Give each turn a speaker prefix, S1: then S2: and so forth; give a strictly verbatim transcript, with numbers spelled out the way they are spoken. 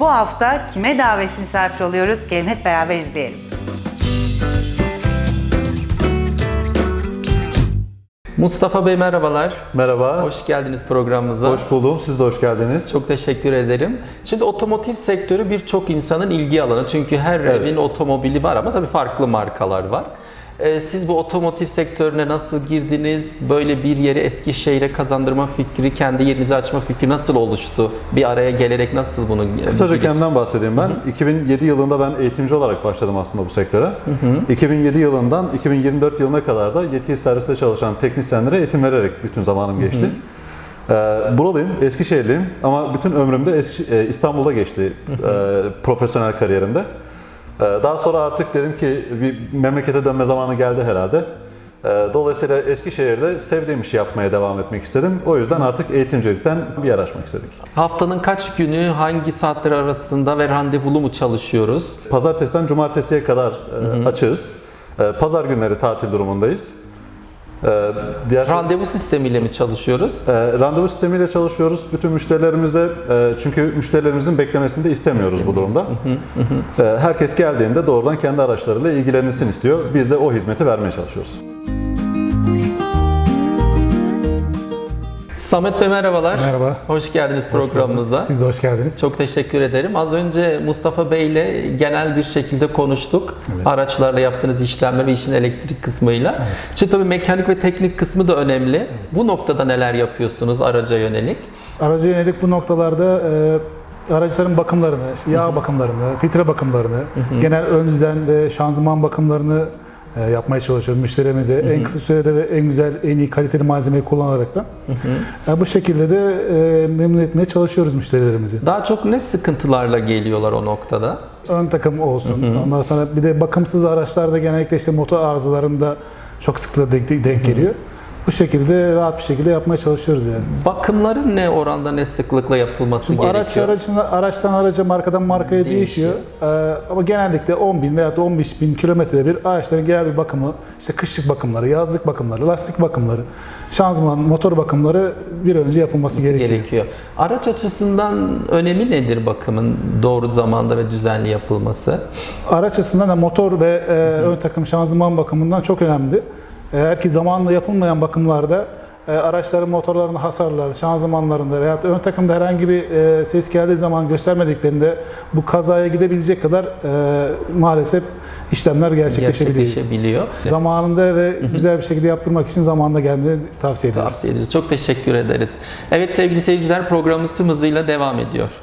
S1: Bu hafta kime davetsiz misafir oluyoruz? Gelin hep beraber izleyelim.
S2: Mustafa Bey merhabalar.
S3: Merhaba.
S2: Hoş geldiniz programımıza.
S3: Hoş buldum. Siz de hoş geldiniz.
S2: Çok teşekkür ederim. Şimdi otomotiv sektörü birçok insanın ilgi alanı. Çünkü her
S3: Evet.
S2: evin otomobili var ama tabii farklı markalar var. Ee, siz bu otomotiv sektörüne nasıl girdiniz? Böyle bir yeri Eskişehir'e kazandırma fikri, kendi yerinizi açma fikri nasıl oluştu? Bir araya gelerek nasıl bunu...
S3: Kısaca kendimden bahsedeyim ben. Hı-hı. iki bin yedi yılında ben eğitimci olarak başladım aslında bu sektöre. Hı-hı. iki bin yedi yılından iki bin yirmi dört yılına kadar da yetkili serviste çalışan teknisyenlere eğitim vererek bütün zamanım geçti. Ee, buralıyım, Eskişehirliyim ama bütün ömrüm de Eski, e, İstanbul'da geçti e, profesyonel kariyerimde. Daha sonra artık dedim ki bir memlekete dönme zamanı geldi herhalde. Dolayısıyla Eskişehir'de sevdiğim işi yapmaya devam etmek istedim. O yüzden artık eğitimcilikten bir yer açmak istedik.
S2: Haftanın kaç günü, hangi saatler arasında ve randevulu mu çalışıyoruz?
S3: Pazartesiden cumartesiye kadar hı hı. açığız. Pazar günleri tatil durumundayız.
S2: Diğer randevu sistemiyle mi çalışıyoruz?
S3: E, randevu sistemiyle çalışıyoruz. Bütün müşterilerimizle, e, çünkü müşterilerimizin beklemesini de istemiyoruz bu durumda. e, herkes geldiğinde doğrudan kendi araçlarıyla ilgilenilsin istiyor. Biz de o hizmeti vermeye çalışıyoruz.
S2: Samet Bey merhabalar.
S4: Merhaba.
S2: Hoş geldiniz programımıza.
S4: Siz de hoş geldiniz.
S2: Çok teşekkür ederim. Az önce Mustafa Bey ile genel bir şekilde konuştuk. Evet. Araçlarla yaptığınız işlemler ve işin elektrik kısmıyla. Evet. Şimdi tabii mekanik ve teknik kısmı da önemli. Evet. Bu noktada neler yapıyorsunuz araca yönelik?
S4: Araca yönelik bu noktalarda e, araçların bakımlarını, işte yağ Hı-hı. bakımlarını, filtre bakımlarını, Hı-hı. genel ön düzen ve şanzıman bakımlarını e, yapmaya çalışıyoruz müşterimize. Hı-hı. En kısa sürede ve en güzel, en iyi kaliteli malzemeyi kullanarak da. E, bu şekilde de e, memnun etmeye çalışıyoruz müşterilerimizi.
S2: Daha çok ne sıkıntılarla geliyorlar o noktada?
S4: Ön takım olsun. Hı-hı. Ondan sonra bir de bakımsız araçlarda genellikle işte motor arızalarında çok sıklıkla denk, denk geliyor. Hı-hı. Bu şekilde rahat bir şekilde yapmaya çalışıyoruz yani. Bakımların
S2: ne oranda, ne sıklıkla yapılması Şimdi gerekiyor?
S4: Araç aracına, araçtan araca, markadan markaya değişiyor. değişiyor. Ee, ama genellikle on bin veya on beş bin kilometrede bir araçların genel bir bakımı, işte kışlık bakımları, yazlık bakımları, lastik bakımları, şanzıman, motor bakımları bir önce yapılması gerekiyor. gerekiyor.
S2: Araç açısından önemi nedir bakımın doğru zamanda ve düzenli yapılması?
S4: Araç açısından da motor ve e, ön takım şanzıman bakımından çok önemli. Eğer ki zamanla yapılmayan bakımlarda e, araçların motorlarında hasarlar, şanzımanlarında veya ön takımda herhangi bir e, ses geldiği zaman göstermediklerinde bu kazaya gidebilecek kadar e, maalesef işlemler gerçekleşebiliyor.
S2: gerçekleşebiliyor.
S4: Zamanında ve Hı-hı. güzel bir şekilde yaptırmak için zamanında gelmeyi tavsiye ederiz.
S2: Tavsiye ederiz. Çok teşekkür ederiz. Evet sevgili seyirciler, programımız tüm hızıyla devam ediyor.